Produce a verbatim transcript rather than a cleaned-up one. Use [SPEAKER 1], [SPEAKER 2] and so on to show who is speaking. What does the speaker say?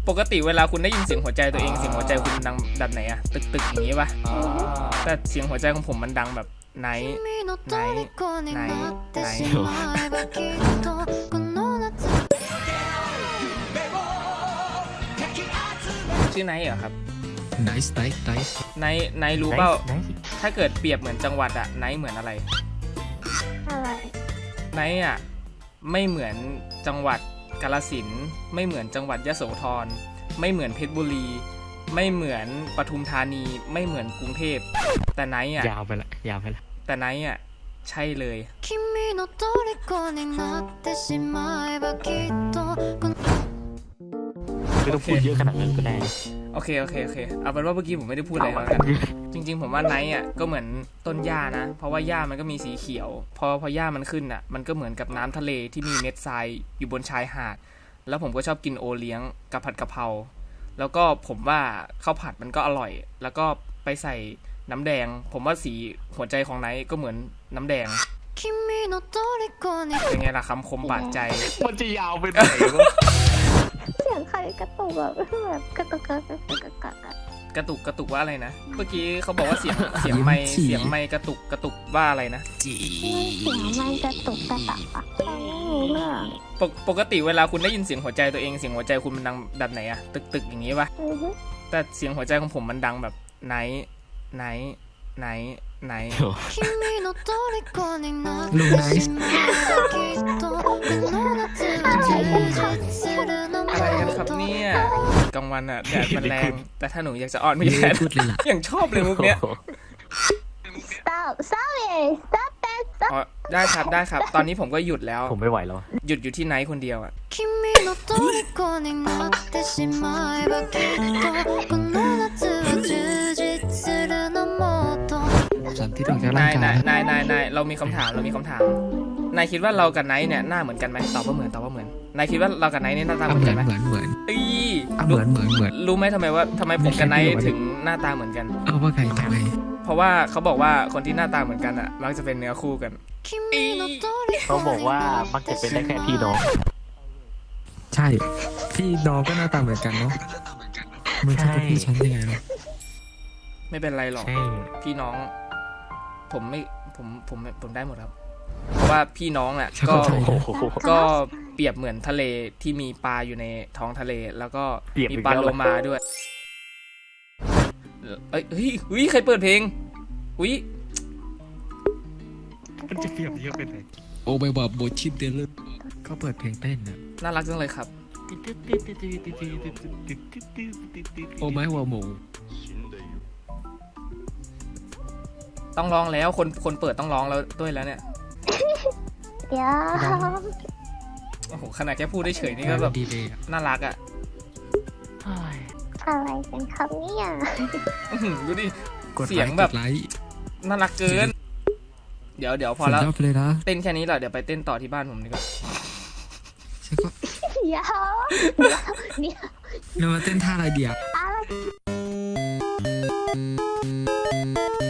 [SPEAKER 1] ปกติเวลาคุณได้ยินเสียงหัวใจตัวเองเสียงหัวใจคุณดังแบบไหนอะตึกตึกอย่างนี้ปะแต่เสียงหัวใจของผมมันดังแบบไหนไหนไหนไหนชื่อไนท์เหรอครับ
[SPEAKER 2] nice nice nice
[SPEAKER 1] ไนท์ไนท์รู้เปล่าถ้าเกิดเปรียบเหมือนจังหวัดอะไนท์เหมือนอะไร
[SPEAKER 3] อะไร
[SPEAKER 1] ไนท์อะไม่เหมือนจังหวัดกาฬสินธุ์ไม่เหมือนจังหวัดยโสธรไม่เหมือนเพชรบุรีไม่เหมือนปทุมธานีไม่เหมือนกรุงเทพแต่ไนท์อะ
[SPEAKER 2] ยาวไปละยาวไปละ
[SPEAKER 1] แต่ไนท์อะใช่เลย
[SPEAKER 2] ไม่ต้องพูดเยอะขนาดนั้นก็ได้
[SPEAKER 1] โอเคโอเคโอเคเอาเป็นว่าเมื่อกี้ผมไม่ได้พูดอะไรแล้วกันจริงๆผมว่าไนท์อ่ะก็เหมือนต้นหญ้านะเพราะว่าหญ้ามันก็มีสีเขียวพอพอหญ้ามันขึ้นอ่ะมันก็เหมือนกับน้ำทะเลที่มีเม็ดทรายอยู่บนชายหาดแล้วผมก็ชอบกินโอเลี้ยงกับผัดกะเพราแล้วก็ผมว่าข้าวผัดมันก็อร่อยแล้วก็ไปใส่น้ำแดงผมว่าสีหัวใจของไนท์ก็เหมือนน้ำแดงเป็นไงล่ะคำคมบาดใจ
[SPEAKER 2] มันจะยาวไปไหนวะ
[SPEAKER 3] เสียงใครกระตุกแบบแบบกระตุกกระตุกกระตุกกระตุก
[SPEAKER 1] กระตุกกระตุกว่าอะไรนะเมื่อกี้เขาบอกว่าเสียงเสียงไม้เสียงไม้กระตุกกระตุกว่าอะไรนะ
[SPEAKER 3] เสียงมันกระตุกกระตักอะฟังไม่รู้เรื่อง
[SPEAKER 1] ปกปกติเวลาคุณได้ยินเสียงหัวใจตัวเองเสียงหัวใจคุณมันดังแบบไหนอะตึกตึกอย่างนี้ปะแต่เสียงหัวใจของผมมันดังแบบไหนไหนไหนไหน
[SPEAKER 2] ลูไนส์
[SPEAKER 1] อะไรกันครับเนี่ยกลางวันอะแดดมันแรงแต่ถ้าหนูอยากจะอ่อนไม่แดดอย่างชอบเลยมุกเนี้ย
[SPEAKER 3] stop stop it stop that stop
[SPEAKER 1] อ๋อได้ครับได้ครับตอนนี้ผมก็หยุดแล้ว
[SPEAKER 2] ผมไม่ไหวแล้ว
[SPEAKER 1] หยุดอยู่ที่ไนท์คนเดียวอะ
[SPEAKER 2] สันที่ต้องจะ
[SPEAKER 1] นาง
[SPEAKER 2] ร่ายกาน
[SPEAKER 1] ายนายนายนายเรามีคำถามเรามีคำถามนายคิดว่าเรากับไนท์เนี่ยหน้าเหมือนกันไหมตอบว่าเหมือนตอบว่าเหมือนนายคิดว่าเรากับไนท์เนี่ยหน้าตาเหมือนกันไหม
[SPEAKER 2] เหมือนเหมือน
[SPEAKER 1] อี
[SPEAKER 2] เหมือนเหมือนเหมือน
[SPEAKER 1] รู้ไหมทำไมว่าทำไมผมกับไนท์ถึงหน้าตาเหมือนกัน
[SPEAKER 2] เอาว่าไงทำไม
[SPEAKER 1] เพราะว่าเขาบอกว่าคนที่หน้าตาเหมือนกันอ่ะมักจะเป็นเนื้อคู่กัน
[SPEAKER 2] เขาบอกว่ามักจะเป็นได้แค่พี่น้องใช่พี่น้องก็หน้าตาเหมือนกันเนาะมึงจะเป็นพี่ฉันยังไงเนาะ
[SPEAKER 1] ไม่เป็นไรหรอกพี่น้องผมไม่ผมผมผมได้หมดครับเพราะว่าพี่น้องอ่ะก็ก็เปรียบเหมือนทะเลที่มีปลาอยู่ในท้องทะเลแล้วก็มีปลาโลมาด้วยเอ้ยเฮ้ยเฮ้ยใครเปิดเพลงอุ้ย
[SPEAKER 2] มันจะเปรียบเยอะเป็นไงโอ้ไม่บอกโบชิดเดลเลอร์ก็เปิดเพลงเต้นนะ
[SPEAKER 1] น่ารักจังเลยครับ
[SPEAKER 2] โอ้ไม่หัวหมู
[SPEAKER 1] ต้องร้องแล้วคนคนเปิดต้องร้องแล้วด้วยแล้วเนี่ย
[SPEAKER 3] เดี๋ยว
[SPEAKER 1] โอ้โหขนาดแค่พูดได้เฉยนี่ก็แบบน่ารักอ่ะ
[SPEAKER 3] อะไรกันครับเนี่ย
[SPEAKER 1] ดูดิเสียงแบบน่ารักเกินเดี๋ยวเดี๋ยวพอแล้วเต้นแค่นี้แหละเดี๋ยวไปเต้นต่อที่บ้านผมดีกว่า
[SPEAKER 3] เดี๋ยวเดี๋ยว
[SPEAKER 2] เรามาเต้นท่าอะไรเดียว